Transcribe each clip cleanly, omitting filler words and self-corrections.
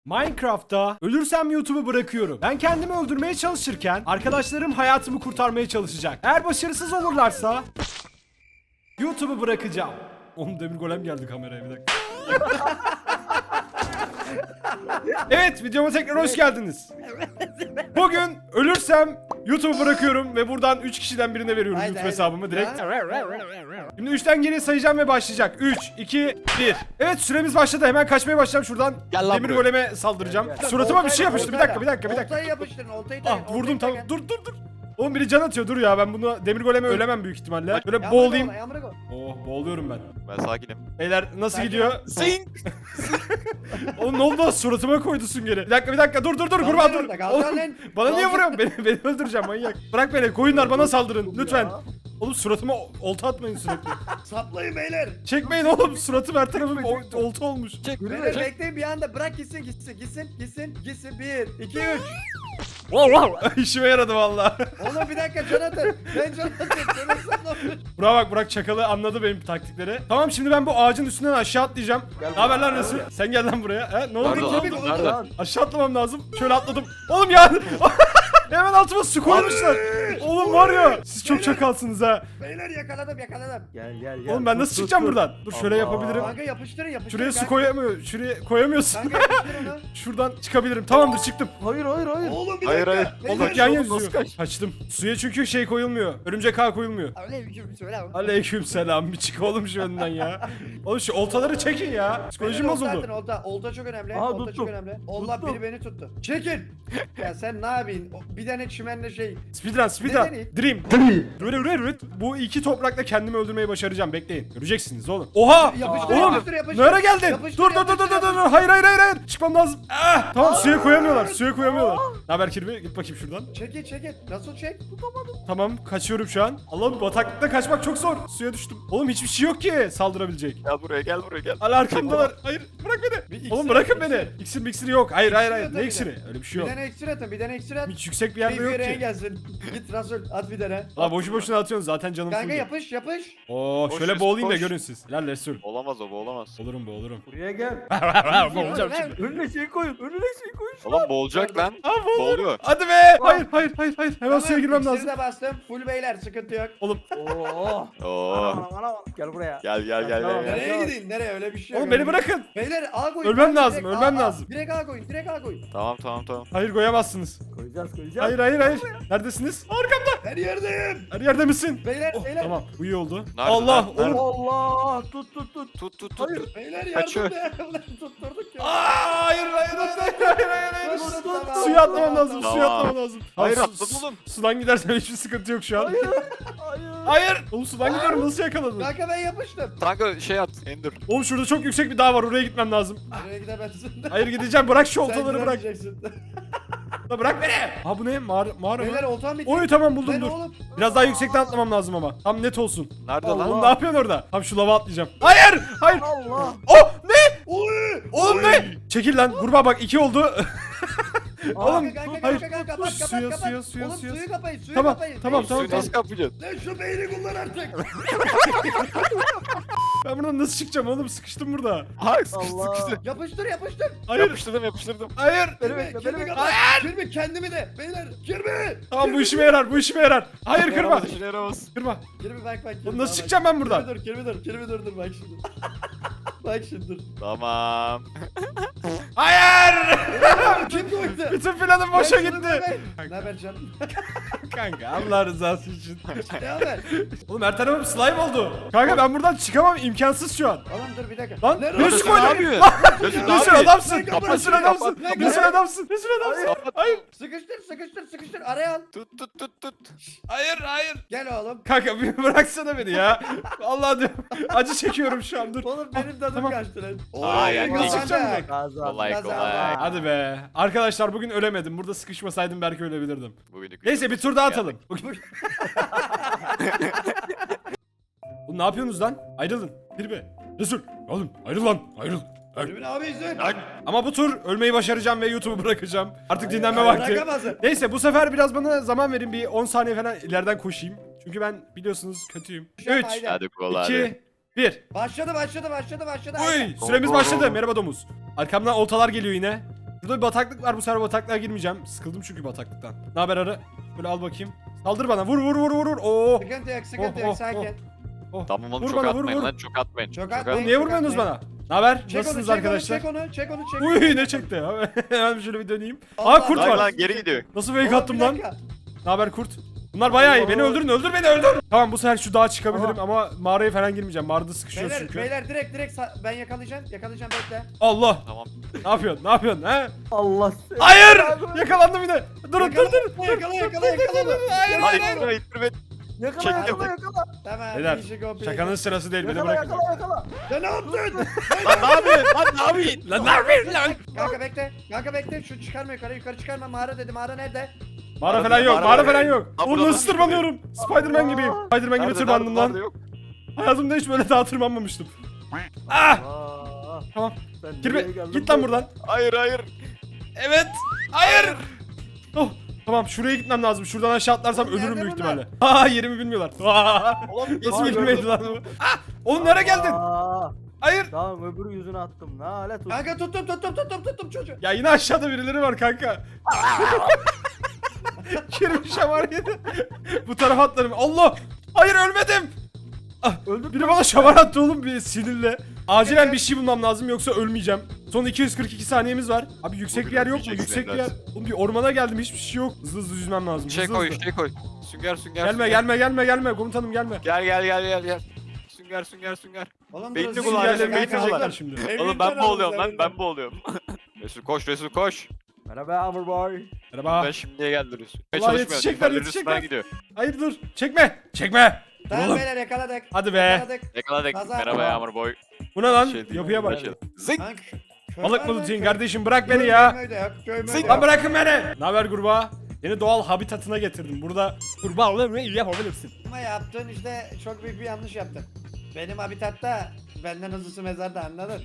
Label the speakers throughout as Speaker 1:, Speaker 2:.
Speaker 1: Minecraft'ta ölürsem YouTube'u bırakıyorum. Ben kendimi öldürmeye çalışırken arkadaşlarım hayatımı kurtarmaya çalışacak. Eğer başarısız olurlarsa YouTube'u bırakacağım. Oğlum demir golem geldi kameraya bir dakika. Evet, videoma tekrar hoş geldiniz. Bugün ölürsem YouTube'u bırakıyorum ve buradan 3 kişiden birine veriyorum
Speaker 2: Haydi,
Speaker 1: YouTube
Speaker 2: haydi.
Speaker 1: hesabımı direkt.
Speaker 2: Ya.
Speaker 1: Şimdi 3'ten geriye sayacağım ve başlayacak. 3, 2, 1. Evet, süremiz başladı. Hemen kaçmaya başlayacağım şuradan.
Speaker 3: Gel lan
Speaker 1: Demir
Speaker 3: buraya.
Speaker 1: goleme saldıracağım. Suratıma bir şey yapıştı. Bir dakika.
Speaker 2: Oltayı yapıştırın, oltayı
Speaker 1: Ah, vurdum tamam. Dur. Oğlum biri can atıyor. Dur ya, ben bunu demir goleme ölemem büyük ihtimalle. Böyle boğulayım. Oh, boğuluyorum ben.
Speaker 3: Ben sakinim.
Speaker 1: Beyler nasıl
Speaker 2: Sakin
Speaker 1: gidiyor?
Speaker 3: Zing!
Speaker 1: Oğlum ne oldu? Suratıma koydu süngeri. Bir dakika. Dur. Kurban dur. Oğlum, bana niye vuruyorsun? Beni öldüreceğim manyak. Bırak beni. Koyunlar bana saldırın. Lütfen. Oğlum suratıma olta atmayın sürekli.
Speaker 2: Saplayın beyler.
Speaker 1: Çekmeyin oğlum. Suratım her tarafım olta olmuş.
Speaker 3: Çek.
Speaker 2: Beyler bekleyin bir anda bırak gitsin. 1, 2, 3.
Speaker 1: İşime yaradı valla.
Speaker 2: Oğlum bir dakika can atın. Ben can atın.
Speaker 1: Burak çakalı anladı benim taktikleri. Tamam, şimdi ben bu ağacın üstünden aşağı atlayacağım. Ne haber lan Resul? Sen gel lan buraya. He? Ne oldu?
Speaker 3: Nerede? Nerede?
Speaker 1: Aşağı atlamam lazım. Şöyle atladım. Oğlum ya. Hemen altıma su koymuşlar. Oğlum var ya. Siz çok çakalsınız ha.
Speaker 2: Beyler yakaladım.
Speaker 4: Gel.
Speaker 1: Oğlum ben nasıl çıkacağım buradan? Dur şöyle yapabilirim.
Speaker 2: Kanka yapıştırın.
Speaker 1: Şuraya su
Speaker 2: kanka.
Speaker 1: koyamıyor. Şuraya koyamıyorsun.
Speaker 2: Kanka yapıştırın onu.
Speaker 1: Şuradan çıkabilirim. Tamamdır, çıktım.
Speaker 4: Hayır.
Speaker 2: Oğlum bir
Speaker 3: Hayır,
Speaker 2: dakika.
Speaker 3: hayır.
Speaker 2: Beyler,
Speaker 1: Oğlum yan
Speaker 3: nasıl
Speaker 1: yazıyor.
Speaker 3: kaç?
Speaker 1: Kaçtım. Suya çünkü şey koyulmuyor. Örümcek ağ koyulmuyor. Aleykümselam. Bir çık oğlum şu önünden ya. Oğlum şu oltaları çekin ya. Psikolojim
Speaker 2: beyler, olta
Speaker 1: bozuldu.
Speaker 2: atın, olta. Olta çok önemli.
Speaker 4: Aha,
Speaker 2: Olta çok
Speaker 4: tuttum.
Speaker 2: önemli. Allah
Speaker 4: Tuttum.
Speaker 2: biri beni tuttu. Çekin. Ya sen ne yapayım? Bir tane çimenle şey.
Speaker 1: Speedrun.
Speaker 2: Neden iyi?
Speaker 1: Dream. Rüt. Bu iki toprakla kendimi öldürmeyi başaracağım. Bekleyin. Göreceksiniz oğlum. Oha!
Speaker 2: Yapıştır,
Speaker 1: Oğlum!
Speaker 2: yapıştır.
Speaker 1: Nereye geldin?
Speaker 2: Yapıştır,
Speaker 1: Dur.
Speaker 2: yapıştır.
Speaker 1: Hayır. Çıkmam lazım. Ah! Tamam, suya koyamıyorlar. Ne haber Kirby? Git bakayım şuradan.
Speaker 2: Çekin. Nasıl çek?
Speaker 1: Tamam, kaçıyorum şu an. Allah'ım, bataklıkta kaçmak çok zor. Suya düştüm. Oğlum hiçbir şey yok ki saldırabilecek.
Speaker 3: Gel buraya.
Speaker 1: Hala arkamdalar. Hayır, bırak
Speaker 2: Bir
Speaker 1: beni.
Speaker 2: iksir
Speaker 1: Oğlum bırakın
Speaker 2: at,
Speaker 1: beni. İksir yok. Hayır.
Speaker 2: İksir
Speaker 1: Ne
Speaker 2: yok tabii
Speaker 1: iksiri? Öyle bir şey
Speaker 2: Bir
Speaker 1: yok.
Speaker 2: tane eksir atın. Bir tane eksir at.
Speaker 1: Hiç yüksek bir yerde
Speaker 2: Bir
Speaker 1: yok
Speaker 2: yere
Speaker 1: ki.
Speaker 2: gelsin. Git Rasul at bir tane.
Speaker 1: Aa, boşuna atıyorsun zaten, canım
Speaker 2: Kanka
Speaker 1: full.
Speaker 2: yapış.
Speaker 1: Oo,
Speaker 3: Koş,
Speaker 1: şöyle
Speaker 3: koş,
Speaker 1: boğulayım da
Speaker 3: koş.
Speaker 1: görün siz. Helal Resul.
Speaker 3: Olamaz o, olamaz.
Speaker 1: Olurum.
Speaker 4: Buraya gel.
Speaker 1: Boğulacağım şimdi.
Speaker 4: Önüne şey koyun.
Speaker 3: Oğlum boğulacak lan.
Speaker 1: Aa, boğuluyor.
Speaker 3: Boğuluyor.
Speaker 1: Hadi be. Hayır. Hemen suya girmem
Speaker 2: İksiri
Speaker 1: lazım.
Speaker 2: de bastım. Full beyler sıkıntı yok.
Speaker 1: Oğlum.
Speaker 4: Oo.
Speaker 3: Oo.
Speaker 4: Ana. Gel buraya.
Speaker 3: Gel.
Speaker 4: Tamam.
Speaker 3: gel.
Speaker 2: Nereye gideyim? Nereye? Öyle bir şey yok.
Speaker 1: Oğlum beni bırakın.
Speaker 2: Beyler A koyun.
Speaker 1: Ölmem
Speaker 2: direkt
Speaker 1: lazım,
Speaker 2: A,
Speaker 1: ölmem
Speaker 2: A.
Speaker 1: lazım.
Speaker 2: Direkt A koyun.
Speaker 3: Tamam.
Speaker 1: Hayır, koyamazsınız.
Speaker 4: Koyacağız.
Speaker 1: Hayır. Neredesiniz? Arkamda.
Speaker 2: Her yerdeyim.
Speaker 1: Her yerde misin?
Speaker 2: Beyler.
Speaker 1: Oh, tamam, bu iyi oldu.
Speaker 3: Nerede,
Speaker 1: Allah,
Speaker 3: nerede?
Speaker 1: oğlum.
Speaker 4: Allah. Tut.
Speaker 3: Tut.
Speaker 4: Hayır.
Speaker 2: Beyler
Speaker 3: Kaçıyor.
Speaker 2: yardım et. Tutturduk ya.
Speaker 1: Hayır.
Speaker 2: Tamam.
Speaker 1: Suya atlamam lazım.
Speaker 3: Tamam. Hayır,
Speaker 1: Su-
Speaker 3: atladım oğlum.
Speaker 1: Sudan gidersem hiçbir sıkıntı yok şu an.
Speaker 4: Hayır.
Speaker 1: Hayır. Oğlum sudan gidiyorum, nasıl yakaladın?
Speaker 2: Kanka ben yapıştım.
Speaker 3: Kanka şey at. Ender.
Speaker 1: Oğlum şurada çok yüksek bir dağ var, oraya gitmem lazım.
Speaker 2: Nereye gidemezsin?
Speaker 1: Hayır, gideceğim, bırak şu
Speaker 2: Sen
Speaker 1: oltaları, bırak.
Speaker 2: gidemeyeceksin.
Speaker 1: La bırak beni. Ha, bu ne? Mağara
Speaker 2: Beyler
Speaker 1: mı?
Speaker 2: oltam bitti.
Speaker 1: Oy tamam, buldum,
Speaker 2: Ben
Speaker 1: dur.
Speaker 2: oğlum.
Speaker 1: Biraz daha yüksekten atlamam lazım ama. Tam net olsun.
Speaker 3: Nerede
Speaker 4: Allah.
Speaker 3: lan?
Speaker 1: Oğlum ne yapıyorsun orada? Tam şu lava atlayacağım. Hayır.
Speaker 4: Allah.
Speaker 1: Oh, ne?
Speaker 2: Oy.
Speaker 1: Oğlum ne? Çekil lan. Kurbağa bak, 2 oldu. Oğlum
Speaker 2: Kanka
Speaker 1: hayır.
Speaker 2: kapat.
Speaker 1: Suya.
Speaker 2: Oğlum
Speaker 1: Suya.
Speaker 2: suyu kapayın. Suyu
Speaker 1: Tamam,
Speaker 2: kapayın.
Speaker 1: tamam.
Speaker 3: Suyu nasıl kapayacaksın?
Speaker 2: Lan şu beyni kullan artık.
Speaker 1: Ben buradan nasıl çıkacağım oğlum? Sıkıştım burada.
Speaker 3: Hayır
Speaker 4: Allah.
Speaker 3: sıkıştı.
Speaker 2: Yapıştır.
Speaker 1: Hayır.
Speaker 3: Yapıştırdım.
Speaker 1: Hayır.
Speaker 2: Kirmi kapat. Kirmi kendimi de. Beyler. Kirmi.
Speaker 1: Tamam, bu işime yarar. Hayır, kırma.
Speaker 3: Yaramaz, işine yaramaz.
Speaker 1: Kırma.
Speaker 2: Kirmi bak.
Speaker 1: Oğlum nasıl çıkacağım ben buradan?
Speaker 2: Kirmi dur bak şimdi. Bak şimdi dur.
Speaker 3: Tamam.
Speaker 1: Hayır.
Speaker 2: Kim koydu?
Speaker 1: Bütün planım boşa
Speaker 2: Ben şunu
Speaker 1: gitti.
Speaker 2: koyayım. Ne haber canım?
Speaker 1: Kanka, Allah rızası için.
Speaker 2: Ne haber?
Speaker 1: Oğlum her tarafım slime oldu. Kanka ben buradan çıkamam, imkansız şu an.
Speaker 2: Oğlum dur bir dakika.
Speaker 1: Lan
Speaker 2: Nerede?
Speaker 1: Resul
Speaker 3: Resul
Speaker 1: koydu.
Speaker 3: ne yapıyor? Resul ne
Speaker 1: Resul
Speaker 3: yapıyor?
Speaker 1: adamsın.
Speaker 2: Lan kapat,
Speaker 1: Resul
Speaker 3: kapat,
Speaker 1: adamsın.
Speaker 3: kapat.
Speaker 1: Resul adamsın. Hayır.
Speaker 2: Sıkıştır. Araya al.
Speaker 3: Tut.
Speaker 1: Hayır.
Speaker 2: Gel oğlum.
Speaker 1: Kanka bir bıraksana beni ya. Allah diyorum. Acı çekiyorum şu an, dur.
Speaker 2: Oğlum benim tadım
Speaker 1: Tamam.
Speaker 2: kaçtı lan.
Speaker 3: Aa, yani
Speaker 1: nasıl çıkacağım direkt?
Speaker 3: Kolay.
Speaker 1: Hadi be. Arkadaşlar bugün ölemedim. Burada sıkışmasaydım belki ölebilirdim.
Speaker 3: Bugünlük
Speaker 1: Neyse, bir tur daha atalım. Oğlum ne yapıyorsunuz lan? Ayrılın. Kirby. Resul. Oğlum ayrıl lan. Ayrıl.
Speaker 2: Kirmi abi izin.
Speaker 1: Ama bu tur ölmeyi başaracağım ve YouTube'u bırakacağım. Artık dinlenme vakti.
Speaker 2: Bırakamazsın.
Speaker 1: Neyse, bu sefer biraz bana zaman verin, bir 10 saniye falan ileriden koşayım. Çünkü ben biliyorsunuz kötüyüm. 3,
Speaker 2: Haydi.
Speaker 3: Hadi kolay.
Speaker 1: 2, 1.
Speaker 2: Başladı.
Speaker 1: Uy, süremiz
Speaker 3: Go, go,
Speaker 1: başladı.
Speaker 3: go.
Speaker 1: Merhaba domuz. Arkamdan oltalar geliyor yine. Burada bir bataklık var. Bu sefer bataklığa girmeyeceğim. Sıkıldım çünkü bataklıktan. Ne haber arı? Böyle al bakayım. Saldır bana. Vur vur vur vur vur. Oo.
Speaker 2: Sıkıntı yok, sıkıntı
Speaker 1: Oh,
Speaker 2: yok,
Speaker 1: oh,
Speaker 2: sakin.
Speaker 1: Oh.
Speaker 3: Tamam oğlum
Speaker 1: Vur
Speaker 3: çok
Speaker 1: bana, vur,
Speaker 3: atmayın
Speaker 1: vur.
Speaker 3: lan çok atmayın.
Speaker 2: Çok
Speaker 3: Çok
Speaker 2: atmayın.
Speaker 1: Oğlum niye vurmuyorsunuz bana? Ne haber?
Speaker 2: Çek onu,
Speaker 1: Nasılsınız
Speaker 2: çek
Speaker 1: arkadaşlar?
Speaker 2: Onu, çek onu, çek onu, çek onu.
Speaker 1: Uy ne çekti ya? Hemen şöyle bir döneyim.
Speaker 2: Allah
Speaker 1: Aa kurt
Speaker 2: Allah.
Speaker 3: Lan
Speaker 1: var.
Speaker 3: lan geri gidiyor.
Speaker 1: Nasıl fake
Speaker 2: Oğlum,
Speaker 1: attım
Speaker 2: bir
Speaker 1: lan?
Speaker 2: dakika.
Speaker 1: Ne haber kurt? Bunlar bayağı iyi. Beni
Speaker 4: Oo.
Speaker 1: öldürün, öldür beni, öldür. Tamam bu sefer şu dağa çıkabilirim ama mağaraya falan girmeyeceğim. Mağarada sıkışıyoruz
Speaker 2: Beyler,
Speaker 1: çünkü.
Speaker 2: beyler direkt ben yakalayacağım bekle.
Speaker 1: Allah.
Speaker 3: Tamam.
Speaker 1: Ne yapıyorsun? Ne yapıyorsun? He?
Speaker 4: Allah seni.
Speaker 1: Hayır! Yakalandım yine. Durun dur dur.
Speaker 2: Yakala.
Speaker 3: Lan ittirme ittirme.
Speaker 4: Yakala
Speaker 3: Çektim.
Speaker 4: yakala.
Speaker 2: Tamam.
Speaker 1: Beyler,
Speaker 2: işi kopya.
Speaker 1: şakanın sırası değil. Beni
Speaker 4: Yakala
Speaker 1: bırakın.
Speaker 4: yakala.
Speaker 2: Ya ne yaptın?
Speaker 3: Lan ne yapıyorsun? Lan ne yapıyorsun?
Speaker 1: Lan ne yapıyorsun lan?
Speaker 2: Kanka bekle. Şu çıkarma yukarı çıkarma. Mağara dedi. Mağara nerede?
Speaker 1: Mağara falan yok.
Speaker 3: Mağara
Speaker 1: Mağara
Speaker 3: var.
Speaker 1: falan yok.
Speaker 3: Ha,
Speaker 1: Oğlum
Speaker 3: burada
Speaker 1: nasıl
Speaker 3: da-
Speaker 1: tırmanıyorum? Spiderman gibiyim. Spiderman gibi
Speaker 3: Nerede,
Speaker 1: tırmandım
Speaker 3: nerede,
Speaker 1: lan.
Speaker 3: yok.
Speaker 1: Hayatımda hiç böyle daha tırmanmamıştım. Ah!
Speaker 4: Aa,
Speaker 1: Tamam.
Speaker 4: sen
Speaker 1: Girme.
Speaker 4: nereye geldin
Speaker 1: Git lan buradan.
Speaker 3: Hayır hayır.
Speaker 1: Evet. Hayır. Oh. Tamam şuraya gitmem lazım. Şuradan aşağı atlarsam
Speaker 2: Oğlum,
Speaker 1: ölürüm
Speaker 2: nerede
Speaker 1: büyük
Speaker 2: bunlar?
Speaker 1: ihtimalle. Aa yerimi bilmiyorlar. Aa,
Speaker 3: Oğlum
Speaker 1: nasıl
Speaker 4: Aa,
Speaker 1: bilmeydi lan bu? Ah! Oğlum nereye geldin?
Speaker 4: Aa,
Speaker 1: Hayır.
Speaker 4: tamam öbür yüzüne attım. Ne alet
Speaker 2: Kanka tuttum çocuğu.
Speaker 1: Ya yine aşağıda birileri var kanka. Girmiş şamar yedi. Bu tarafa atlarım. Allah! Hayır ölmedim. Ah,
Speaker 4: Öldük
Speaker 1: biri bana şamar attı oğlum bir sinirle. Acilen bir şey bulmam lazım yoksa ölmeyeceğim. Son 242 saniyemiz var. Abi yüksek bir yer yok mu?
Speaker 3: Ölmeyeceksin
Speaker 1: Yüksek bir yer.
Speaker 3: evlat.
Speaker 1: Oğlum bir ormana geldim hiçbir şey yok. Hızlı hızlı yüzmem lazım.
Speaker 3: Şey
Speaker 1: hızlı
Speaker 3: koy
Speaker 1: hızlı.
Speaker 3: şey koy. Sünger sünger.
Speaker 1: Gelme
Speaker 3: sünger.
Speaker 1: gelme komutanım gelme.
Speaker 3: Gel. Sünger.
Speaker 2: Oğlum
Speaker 3: Beynini
Speaker 2: burası
Speaker 3: kullan,
Speaker 2: yerler,
Speaker 1: Yerleri
Speaker 3: beynini
Speaker 2: kanka.
Speaker 3: kullan.
Speaker 1: bitirecekler şimdi.
Speaker 3: Oğlum ben boğuluyorum lan ben boğuluyorum. Resul koş.
Speaker 4: Merhaba Hamur Boy.
Speaker 1: Merhaba.
Speaker 3: Ben şimdiye geldi Resul.
Speaker 1: Vallahi yetişecekler, yetişecekler. Hayır dur. Çekme. Dur
Speaker 2: Tamam
Speaker 1: oğlum.
Speaker 2: beyler yakaladık.
Speaker 1: Hadi be.
Speaker 3: Yakaladık.
Speaker 2: Kazan.
Speaker 3: Merhaba Yağmur Boy.
Speaker 1: Bu ne lan?
Speaker 3: Şey değil,
Speaker 1: Yapıya bak.
Speaker 3: şey. Zing.
Speaker 2: Kanka, köy
Speaker 1: Balık
Speaker 2: var
Speaker 1: mı
Speaker 2: lan,
Speaker 1: tutayım
Speaker 2: köy.
Speaker 1: kardeşim bırak beni
Speaker 2: Köy
Speaker 1: ya.
Speaker 2: möy de yok, köy möy de
Speaker 3: Zing.
Speaker 2: yok.
Speaker 1: Lan bırakın beni. Ne haber kurbağa? Yeni doğal habitatına getirdim. Burada kurbağalarını iyi yapabilirsin.
Speaker 2: Ama yaptığın işte çok büyük bir yanlış yaptın. Benim habitatta benden hızlısı mezarda anladın?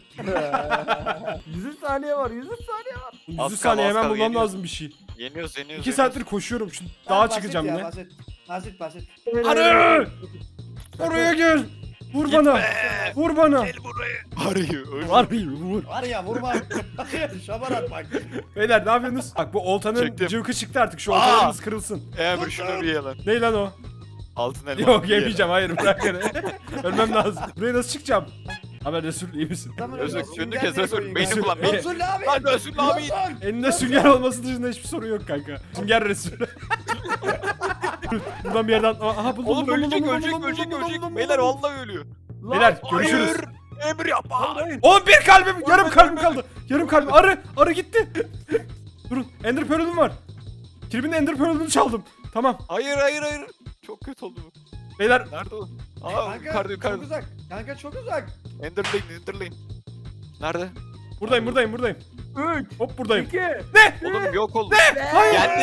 Speaker 4: 100 saniye var 100 saniye var.
Speaker 1: 100
Speaker 3: Az
Speaker 1: saniye
Speaker 3: kal,
Speaker 1: hemen bulmam
Speaker 3: yeniyoruz.
Speaker 1: lazım bir şey.
Speaker 3: Yeniyoruz.
Speaker 1: 2 saattir koşuyorum. Şu
Speaker 2: Tamam,
Speaker 1: dağa
Speaker 2: basit
Speaker 1: çıkacağım
Speaker 2: ya,
Speaker 1: yine.
Speaker 2: Basit.
Speaker 1: Arı! Oraya gel. Vur bana. Vur bana.
Speaker 3: Arıyor.
Speaker 1: Vur.
Speaker 2: Var ya vurma. Şabar at bak.
Speaker 1: Beyler ne yapıyorsunuz? Bak bu oltanın
Speaker 3: Çektim.
Speaker 1: cıvkı çıktı artık. Şu
Speaker 3: Aa!
Speaker 1: oltalarınız kırılsın.
Speaker 3: Emre şunu bir yalan.
Speaker 1: Ne lan o?
Speaker 3: Altın elma.
Speaker 1: Yok yemeyeceğim. Hayır bırak beni. Ölmem lazım. Buraya nasıl çıkacağım? Haber Resul iyi misin?
Speaker 2: Tamam,
Speaker 3: Resul
Speaker 2: Resul,
Speaker 3: önünü
Speaker 2: gel
Speaker 3: kes
Speaker 2: diye
Speaker 3: Resul.
Speaker 2: koyayım.
Speaker 3: Beyni
Speaker 1: Resul,
Speaker 3: kullan.
Speaker 1: beyni-
Speaker 3: Beyni.
Speaker 2: Resul abi.
Speaker 3: Lan Resul abi.
Speaker 2: Resul.
Speaker 1: Elinde sünger olması dışında hiçbir sorun yok kanka. Sünger Resul. Buradan bir yerden... Aha buldum.
Speaker 3: Oğlum
Speaker 1: buldum,
Speaker 3: ölecek
Speaker 1: buldum,
Speaker 3: ölecek
Speaker 1: buldum,
Speaker 3: ölecek
Speaker 1: buldum,
Speaker 3: ölecek.
Speaker 1: buldum,
Speaker 3: Beyler
Speaker 1: buldum.
Speaker 3: vallahi ölüyor.
Speaker 1: Beyler görüşürüz.
Speaker 3: Hayır. Emre yapma.
Speaker 1: Oğlum bir kalbim, yarım kalbim kaldı. Yarım kalbim. Arı gitti. Durun. Ender Pearl'üm var. Kirby'nin Ender Pearl'ünü çaldım. Tamam.
Speaker 3: Hayır. Çok kötü oldu bu.
Speaker 1: Beyler
Speaker 3: Nerede o? Aa
Speaker 2: Kanka çok
Speaker 3: yukarıda.
Speaker 2: uzak. Kanka çok uzak.
Speaker 3: Enderlane. Nerede?
Speaker 1: buradayım.
Speaker 4: 3
Speaker 1: Hop buradayım.
Speaker 4: 2
Speaker 3: Oğlum yok oldu.
Speaker 1: Hayır.
Speaker 3: Geldi.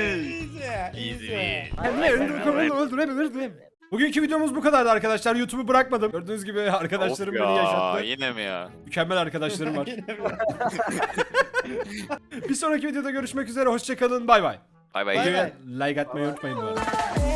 Speaker 2: Easy.
Speaker 1: Ender Pearl'ünü öldürebilirim. Bugünkü videomuz bu kadardı arkadaşlar. YouTube'u bırakmadım. Gördüğünüz gibi arkadaşlarım
Speaker 3: Of
Speaker 1: beni
Speaker 3: ya,
Speaker 1: yaşattı.
Speaker 3: yine mi ya?
Speaker 1: Mükemmel arkadaşlarım var. Bir sonraki videoda görüşmek üzere. Hoşçakalın. Bay bay.
Speaker 3: Bay bay.
Speaker 2: Bay bay.
Speaker 1: Videoya like atmayı unutmayın bu arada.